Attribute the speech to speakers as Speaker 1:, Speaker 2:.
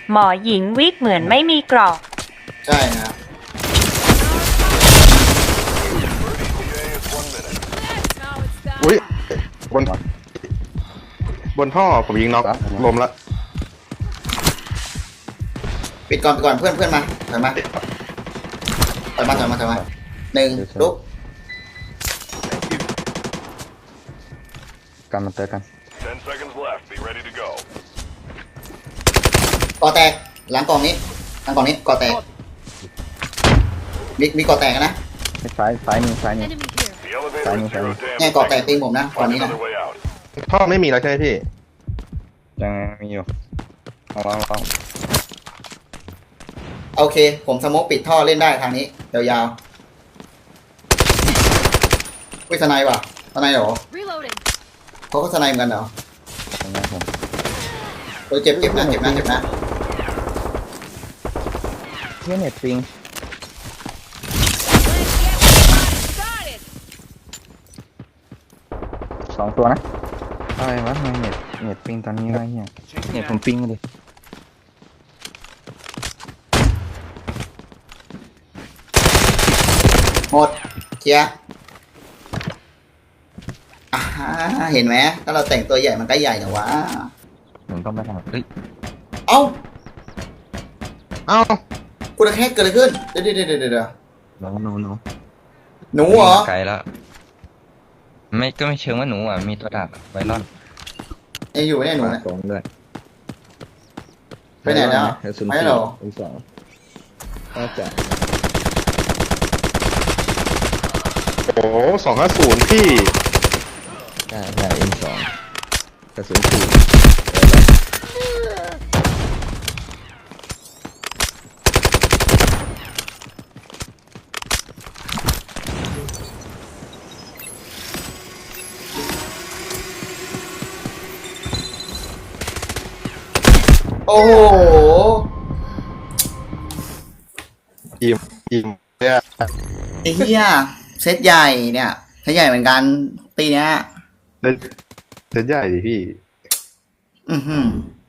Speaker 1: หมอหญิงวิกเหมือนไม่มีกรอก
Speaker 2: ใช่นะครับ
Speaker 3: อุ้ยบนท่อผมยิงน็อกลมละ
Speaker 2: ปิดก่อนเพื่อนมาถอยมาหนึ่งลุก
Speaker 4: กันมาเตะกัน
Speaker 5: 10 seconds left. Be ready to go.
Speaker 2: ก่อแตกหลังกล่องนี้ก่อแตกมีก่อแตกนะ
Speaker 4: ซ้ายมือ
Speaker 6: Enemy here.
Speaker 5: The elevator is zero
Speaker 2: เนี่ย
Speaker 5: damage.
Speaker 2: ก่อแตกตีผมนะก่อนนี้นะ
Speaker 5: Another way out.
Speaker 3: ท่อไม่มีแล้วใช่ไหมพี่
Speaker 4: ยังมีอยู่ลอง
Speaker 2: โอเคผมสโมกปิดท่อเล่นได้ทางนี้ยาวๆวิสไนว่ะสไนเหรอ
Speaker 6: Reloading.
Speaker 2: เขาก็สไนเหมือนกันเหรอ
Speaker 4: ตรงนี้ผม
Speaker 2: เจ็บนะ
Speaker 4: เที่ยเน็ตปิง
Speaker 6: Started.
Speaker 4: 2 ตัวนะอะไรวะทำไมเน็ตปิงตอนนี้วะเนี่ยเน็ตผมปิงเลย
Speaker 2: หมดเคลียร์เห็นไหมถ้าเราแต่งตัวใหญ่มันก็ใหญ่แต่ว่า
Speaker 4: ผมต้องไปทำเฮ้ย
Speaker 2: เอ้า
Speaker 3: เอ้า
Speaker 2: กูจะแค่เกิดอะไรขึ้นเดี๋ยว
Speaker 4: น้อง
Speaker 2: หนูเหรอ
Speaker 4: ไกลแล้วก็ไม่เชิงว่าหนูอ่ะมีตัวดาบไวรอน
Speaker 2: ยังอยู่เนี่ยหนูเนี่ย
Speaker 4: สองด้วย
Speaker 2: ไปไหนแล้วไม่หรอ
Speaker 4: สองก็จะ
Speaker 3: โอ้250พี่
Speaker 4: ใช่M2กระสุนปืน
Speaker 2: โอ้โห
Speaker 3: อิ่มเนี่ย
Speaker 2: ไอ้เหี้ยเซตใหญ่เนี่ยเซตใหญ่เหมือนกันปีเนี้ย
Speaker 3: เล่นใหญ่ดิพี่
Speaker 2: อือหือ